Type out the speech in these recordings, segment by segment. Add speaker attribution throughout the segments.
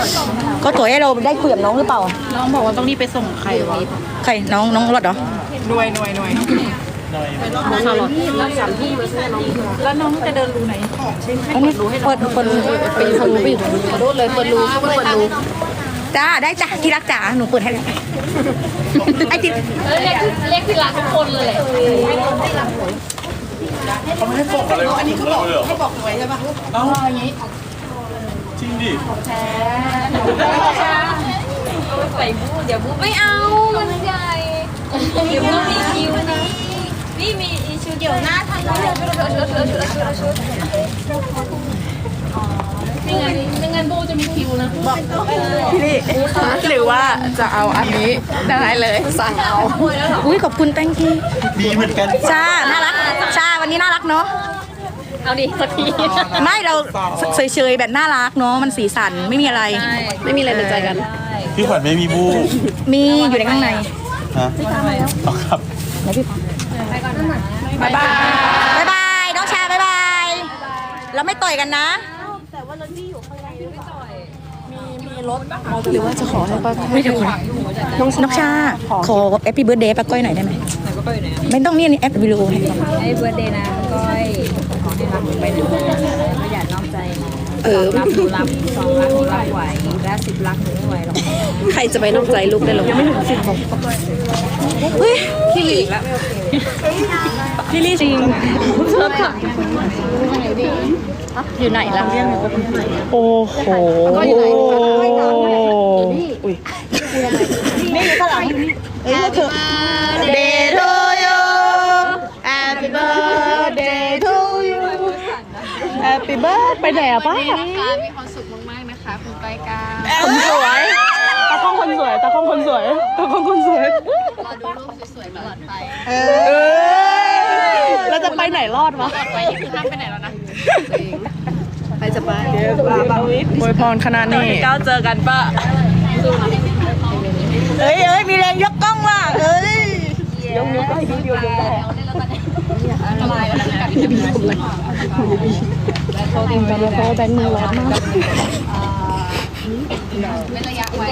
Speaker 1: ก็ตัวให้เราได้คุยกับน้องหรือเปล่า
Speaker 2: น้องบอกว่าต้องรีบไปส่งใครวะ
Speaker 1: ใครน้องรถเหรอ
Speaker 2: หน่วยแล้วน้องจะเดินรูไหน
Speaker 1: อันนี้เปิดรูไปอยู่ทางรูไปอยู่ขอโทษเลยเปิดรูจ้าได้จ้าที่รักจ๋าหนูเปิดให้เลยไอ้ที่
Speaker 3: เรียกที่รักทุกคนเลย
Speaker 4: เขาไม่ให้บอกอะไรอันนี้เขาบอกให้บอกหน่วยใช่ปะเอาอย่างนี้จริงดิ
Speaker 3: ใส่บูเดี๋ยวบูไม่เอามันใหญ่เดี๋ยวบูมีคิวนี่มีชุดเดี๋ยวหน้าทางนู้นชุดไม่งั้นบูจะมีคิวนะ
Speaker 2: พี่ลี่หรือว่าจะเอาอันนี้ได้เลยสั่งเอา
Speaker 1: อุ้ยขอบคุณ thank you
Speaker 4: มีเหมือนกัน
Speaker 1: ชาน่ารักชาวันนี้น่ารักเนาะ
Speaker 3: เอาดิสักที
Speaker 1: ไม่เราเฉยๆแบบน่ารักเนาะมันสีสันไม่มีอะไร
Speaker 2: ไม่มีอะไรเป็นใจกัน
Speaker 4: พี่ขวัญไม่มีบู
Speaker 1: มีอยู่ในข้างใน
Speaker 4: ฮะเอาครับ
Speaker 1: ไหนพี่
Speaker 2: บายบ
Speaker 1: ายน้องชาบายบายเราไม่ต่อยกันนะ
Speaker 3: แต่ว่ารถพี่อยู่ข้างในไม่ต่อย
Speaker 2: มีรถหรือว่าจะขอให้ป้า
Speaker 1: ไม่เดี๋ยวน้องชาขอแฮปปี้เบิร์ธเดย์ป้าก้อยหน่อยได้ไหมไม่ต้องนี่แอปวิดีโอให้
Speaker 3: ให้เบิร์ธเดย์นะก้อยขอให้รักไปดูไม่อยากนอกใจนะรักหนูรัก2 รักหนูรักไหวและ10 รักหนูไม่ไหวหรอก
Speaker 2: ใครจะไปนอกใจลูกได้หรอยังไม่ถึง10ของ
Speaker 1: เฮ้ย
Speaker 2: พี่ลี่แล้วพี่ลี่จริงชอบค่ะอยู่ไหนล่ะ
Speaker 1: โอ้โหนี่อยู่ข้างหลังเอ้ยเธอ Day to you Happy birthday to you Happy birthday ไปไหนอะป้า
Speaker 3: มีความสุขมากๆนะคะคุณไปกา
Speaker 1: คนสวยตาข้องคนสวยรอดูรูป
Speaker 3: สวยๆตลอดไป
Speaker 1: เราจะไปไหนรอดวะ
Speaker 3: ไปที่ห้ามไปไหนแล้วนะ
Speaker 2: ใครจะไป
Speaker 1: อวยพรขนาดนี้
Speaker 2: ก้าวเจอกันป้า
Speaker 1: เฮ้ยมีแรงยกกล้องว่ะยกก็ให้ดูได้
Speaker 3: อะไรแล้วกัน
Speaker 1: แบงค์มือร้อนมาก
Speaker 3: เป็นระยะไว้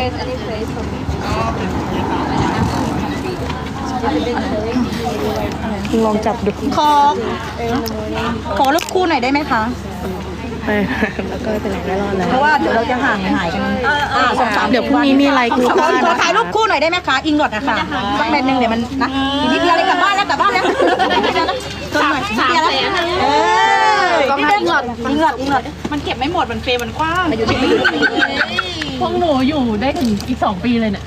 Speaker 1: ลองจับดูขอรูปคู่หน่อยได้ไหมคะ
Speaker 2: แล้วก็เป็นไหนได้รอดแล้ว
Speaker 1: เพราะว่าเดี๋ยวเราจะห่างหายกัน
Speaker 2: เดี๋ยวพรุ่งนี้มีอะไรกู
Speaker 1: ขอถ่ายรูปคู่หน่อยได้ไหมคะอิงหลอดนะคะสักแมนนึงเดี๋ยวมันนะอีกนิดเดียวเลยกลับบ้านแล้วต้นหน่อย
Speaker 2: ก็ให้อิงหลอด
Speaker 1: มันเก็บไม่หมดมันเฟรมมันกว้าง
Speaker 2: พวกหนูอยู่ได้ถึงอีก2 ปีเลยเนี่ย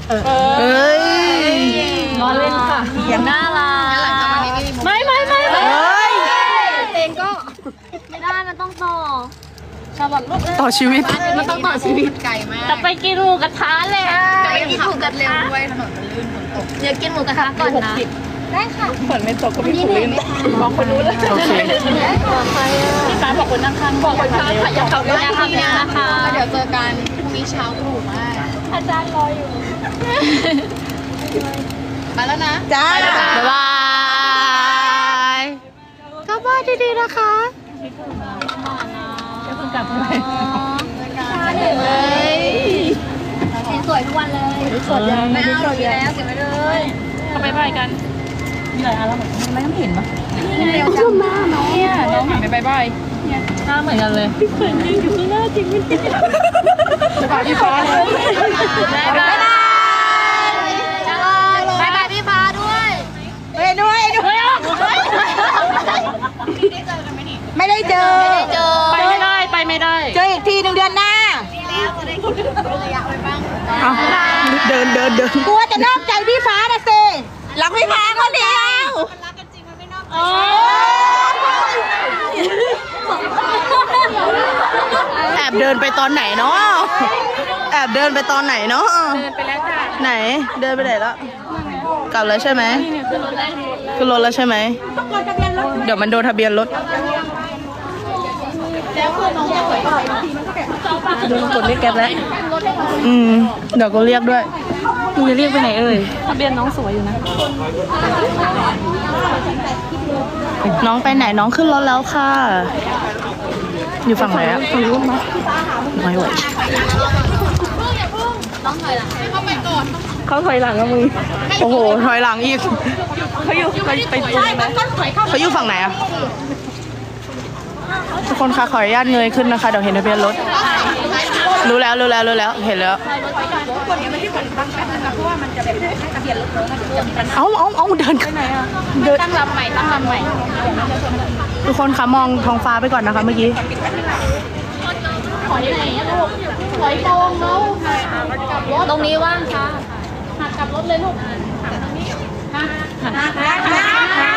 Speaker 2: รอเล่นค่ะ
Speaker 1: อย่างน่ารั
Speaker 3: ก
Speaker 2: ไม่
Speaker 3: เพลงก็ไม่ได้มันต้องต่อ
Speaker 2: ต่อชีวิต
Speaker 3: มันต้องต่อชีวิตไกลมาก
Speaker 2: จะไปกินหมูกระทะเลย
Speaker 3: จะไปกินหมูกระทะด้วยถนนมันลื่นฝนตกเดี๋ยวกินหมูกระทะก่อนนะได้ค่ะ
Speaker 2: ฝนไม่ตกก็ไม่ถูกลื่นบอกคนรู้เลยโอเคพี่ฟ้าบอกคนนั่งข้างบอกคนข้างอยากขับรถทำงานนะคะ
Speaker 3: เดี๋ยวเจอกันพรุ่งนี้เช้าตรู่มาก
Speaker 2: อาจารย์รออยู่
Speaker 3: มาแล้วนะ
Speaker 1: จ้า
Speaker 2: บ๊ายบายกลับบ้านดีๆนะคะจะเพิ่งกลับไป
Speaker 3: เห็นสวยทุกวันเลย
Speaker 1: สวยยัง
Speaker 3: ไม่เอาดีแล้วเก็บไว้เลย
Speaker 2: เขาไปกัน
Speaker 1: มีอะไรอะไรไม่ต้องเห็นปะ
Speaker 3: เดี๋ยวจ้ามา
Speaker 2: เนี่ยน้องหันไปบายหน้าเหมือนกันเลยเหมือนจริงอยู่ข้างหน้าจริงจะพาพี่ฟ้าเลย
Speaker 3: บ๊ายบายพี่ฟ้าด้วย
Speaker 1: ไม่ได้เจอ
Speaker 2: ไปไม่ได้
Speaker 1: เจออีกที1 เดือนหน้า
Speaker 3: ระยะไว้บ้าง
Speaker 1: เดินกลัวจะนอกใจพี่ฟ้านะเซรักพี่ฟ้าคนเดียว
Speaker 3: รักกันจริงมันไม่นอก
Speaker 1: แอบเดินไปตอนไหนเนาะเดินไปแล้วจ้ะไหนเดินไปไหนแล้วกลับแล้วใช่ไหมขึ้นรถแล้วใช่ไหมเดี๋ยวมันโดนทะเบียนรถโดนกดเรียกแก๊ปแล้วเดี๋ยวก็เรียกด้วยมึงจะเรียกไปไหน
Speaker 2: ทะเบียนน้องสวยอยู่นะ
Speaker 1: น้องไปไหนน้องขึ้นรถแล้วค่ะอยู่ฝั่งไหนอะฝั่งนู้นมั้ยไม่ไหว
Speaker 2: น้องถอยหลัง
Speaker 1: เขาถอยหลังกับมึง โอ้โห ถอยหลังอีก เขาอยู่ไปตรงไหนเขาอยู่ฝั่งไหนอะทุกคนคะขออนุญาตเงยขึ้นนะคะ เดี๋ยวเห็นทะเบียนรถ รู้แล้ว เห็นแล้ว เอาเดินเดิน
Speaker 2: ตั้งลำใหม่
Speaker 1: ทุกคนคะมองท้องฟ้าไปก่อนนะคะเมื่อกี้
Speaker 2: ถอยไหนอะลูกถอยตรงแล้วตรงนี้ว่างค่ะหักกลับรถเลยลูกหักตรงนี้หัก